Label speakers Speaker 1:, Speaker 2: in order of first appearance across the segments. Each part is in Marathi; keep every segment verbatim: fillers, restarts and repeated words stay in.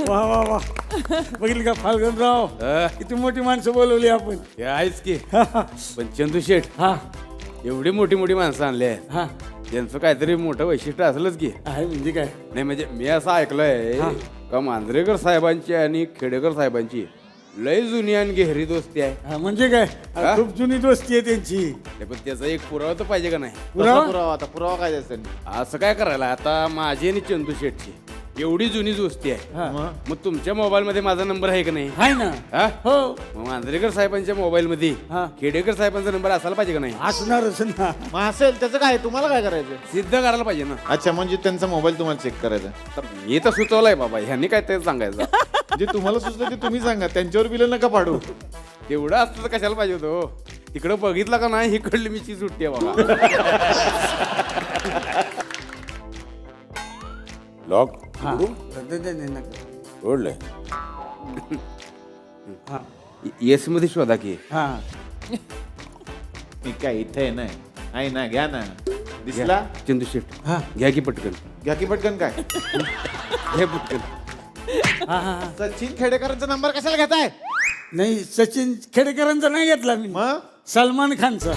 Speaker 1: वा वा वा बघितलं का फाल्गुनराव किती मोठी माणसं बोलवली आपण.
Speaker 2: हे आहेच की पण चंदू शेठ
Speaker 1: हा
Speaker 2: एवढी मोठी मोठी माणसं आणली आहेत
Speaker 1: हा
Speaker 2: यांचं काहीतरी मोठं वैशिष्ट्य असलंच की.
Speaker 1: आहे म्हणजे काय?
Speaker 2: नाही म्हणजे मी असं ऐकलंय का मांजरेकर साहेबांची आणि खेडेकर साहेबांची लय जुनी आणि गहरी दोस्ती आहे.
Speaker 1: हा, म्हणजे काय?
Speaker 2: हा?
Speaker 1: खूप जुनी दोस्ती आहे त्यांची.
Speaker 2: नाही, पण त्याचा एक पुरावा तर पाहिजे का नाही.
Speaker 1: पुरावा?
Speaker 3: पुरावा आता पुरावा काय असेल?
Speaker 2: असं काय करायला आता माझी आणि चंदू शेठची एवढी जुनी दोस्ती आहे.
Speaker 1: हा.
Speaker 2: मग तुमच्या मोबाईल मध्ये माझा नंबर आहे का नाही?
Speaker 1: आहे ना.
Speaker 2: हा?
Speaker 1: हो
Speaker 2: मग मांजरेकर साहेबांच्या मोबाईल मध्ये
Speaker 1: हा.
Speaker 2: खेडेकर साहेबांचा नंबर असायला पाहिजे का नाही?
Speaker 1: असणारच ना.
Speaker 3: मग असेल त्याचं काय तुम्हाला काय करायचं?
Speaker 2: सिद्ध करायला पाहिजे ना.
Speaker 3: अच्छा म्हणजे त्यांचा मोबाईल तुम्हाला चेक करायचा.
Speaker 2: तर मी तर सुचवलंय बाबा ह्यांनी काय ते सांगायचं.
Speaker 3: जे तुम्हाला सुचलं ते तुम्ही सांगा, त्यांच्यावर बिल नका पाडू.
Speaker 2: तेवढं असतं तर कशाला पाहिजे होतो. तिकडं बघितलं का नाही इकडली मी सुट्टी आहे बाबा. लॉक
Speaker 1: हा. दे- दे- दे नका.
Speaker 2: ओढलंय
Speaker 1: हा.
Speaker 2: येस मध्ये शोधा की.
Speaker 1: हा
Speaker 3: मी काय इथे नाही आहे ना, घ्या ना. दिसला?
Speaker 2: चंदू शेठ
Speaker 1: हा.
Speaker 2: घ्या की पटकन.
Speaker 3: घ्या की पटकन. काय
Speaker 2: घ्या पटकन.
Speaker 1: हा हा हा.
Speaker 3: सचिन खेडेकरांचा नंबर कशाला घेताय?
Speaker 1: नाही सचिन खेडेकरांचा नाही घेतला मी.
Speaker 3: मग
Speaker 1: सलमान खानचा.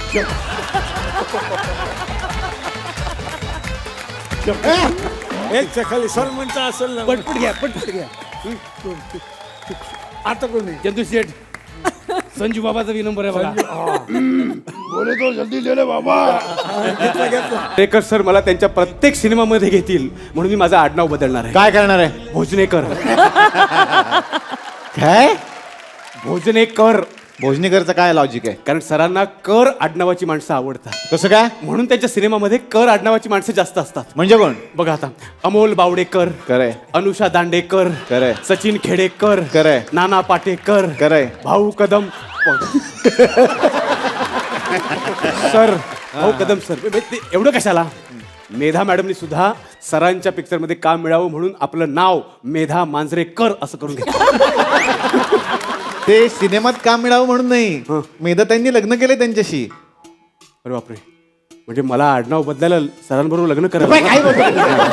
Speaker 1: एक खाली सलमानचा असेल ना.
Speaker 2: पटपट घ्या पटपट घ्या.
Speaker 1: आता कोणी?
Speaker 2: चंदू शेठ संजू बाबाचा बी नंबर आहे बघा. बोले तो जल्दी ले ले बाबा.
Speaker 1: घेतला घेतला.
Speaker 2: टेकर सर मला त्यांच्या प्रत्येक सिनेमामध्ये घेतील म्हणून मी माझं आडनाव बदलणार आहे.
Speaker 3: काय करणार आहे?
Speaker 2: भोजनेकर.
Speaker 3: काय
Speaker 2: भोजनेकर.
Speaker 3: भोजनेकरचं काय लॉजिक आहे?
Speaker 2: कारण सरांना कर आडनावाची माणसं आवडतात
Speaker 3: कसं काय?
Speaker 2: म्हणून त्यांच्या सिनेमामध्ये कर आडनावाची माणसं जास्त असतात.
Speaker 3: म्हणजे कोण?
Speaker 2: बघा आता अमोल बावडेकर,
Speaker 3: खरंय
Speaker 2: अनुषा दांडेकर,
Speaker 3: खरंय
Speaker 2: सचिन खेडेकर,
Speaker 3: खरंय
Speaker 2: नाना पाटेकर,
Speaker 3: खरंय
Speaker 2: भाऊ कदम. सर भाऊ कदम सर बे- ते एवढं कशाला. मेधा मॅडमनी सुद्धा सरांच्या पिक्चर मध्ये काम मिळावं म्हणून आपलं नाव मेधा मांजरेकर असं करून घेतलं.
Speaker 3: ते सिनेमात काम मिळावं म्हणून नाही,
Speaker 2: हं.
Speaker 3: मेधा त्यांनी लग्न केलंय त्यांच्याशी.
Speaker 2: अरे बापरे, म्हणजे मला आडनाव बदलायला सरांबरोबर लग्न करायला.
Speaker 3: काय बोलतो?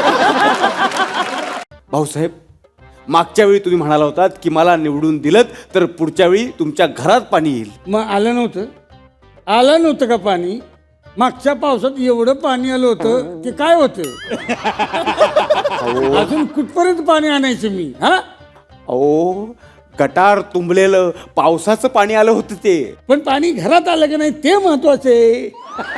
Speaker 2: भाऊसाहेब मागच्या वेळी तुम्ही म्हणाला होतात की मला निवडून दिलं तर पुढच्या वेळी तुमच्या घरात पाणी येईल.
Speaker 1: मग आलं नव्हतं? आलं नव्हतं का पाणी? मागच्या पावसात एवढं पाणी आलं होतं की काय होतं. अजून कुठपर्यंत पाणी आणायचं मी? हा
Speaker 2: अहो गटार तुंबलेलं पावसाचं पाणी आलं होतं ते.
Speaker 1: पण पाणी घरात आलं की नाही ते महत्वाचं आहे.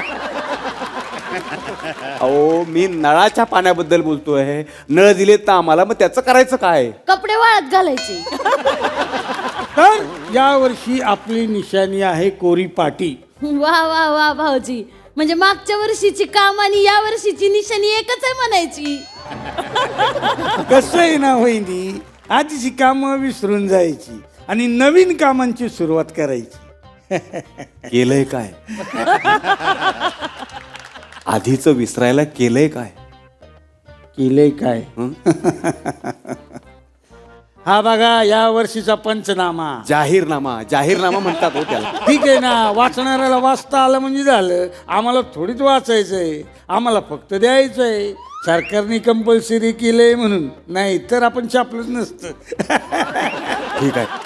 Speaker 2: अहो मी नळाच्या पाण्याबद्दल बोलतोय. नळ दिलेत ना आम्हाला, मग त्याचं करायचं काय?
Speaker 4: कपडे वाळत घालायचे.
Speaker 1: तर यावर्षी आपली निशाणी आहे कोरी पाटी.
Speaker 4: वा वा वा भाऊजी, म्हणजे मागच्या वर्षीची काम आणि या वर्षीची निशाणी एकच आहे म्हणायची.
Speaker 1: कसं आहे ना वहिनी, आधीची कामं विसरून जायची आणि नवीन कामांची सुरुवात करायची.
Speaker 2: केलंय काय? आधीचं विसरायला केलंय काय?
Speaker 1: केलंय काय?
Speaker 2: हं?
Speaker 1: हा बघा या वर्षीचा पंचनामा.
Speaker 2: जाहीरनामा. जाहीरनामा म्हणतात हो त्याला.
Speaker 1: ठीक आहे ना, वाचणाऱ्याला वाचता आलं म्हणजे झालं. आम्हाला थोडीच वाचायचंय, आम्हाला फक्त द्यायचंय. सरकारने कंपल्सरी केलंय म्हणून, नाही तर आपण छापलंच नसतं.
Speaker 2: ठीक आहे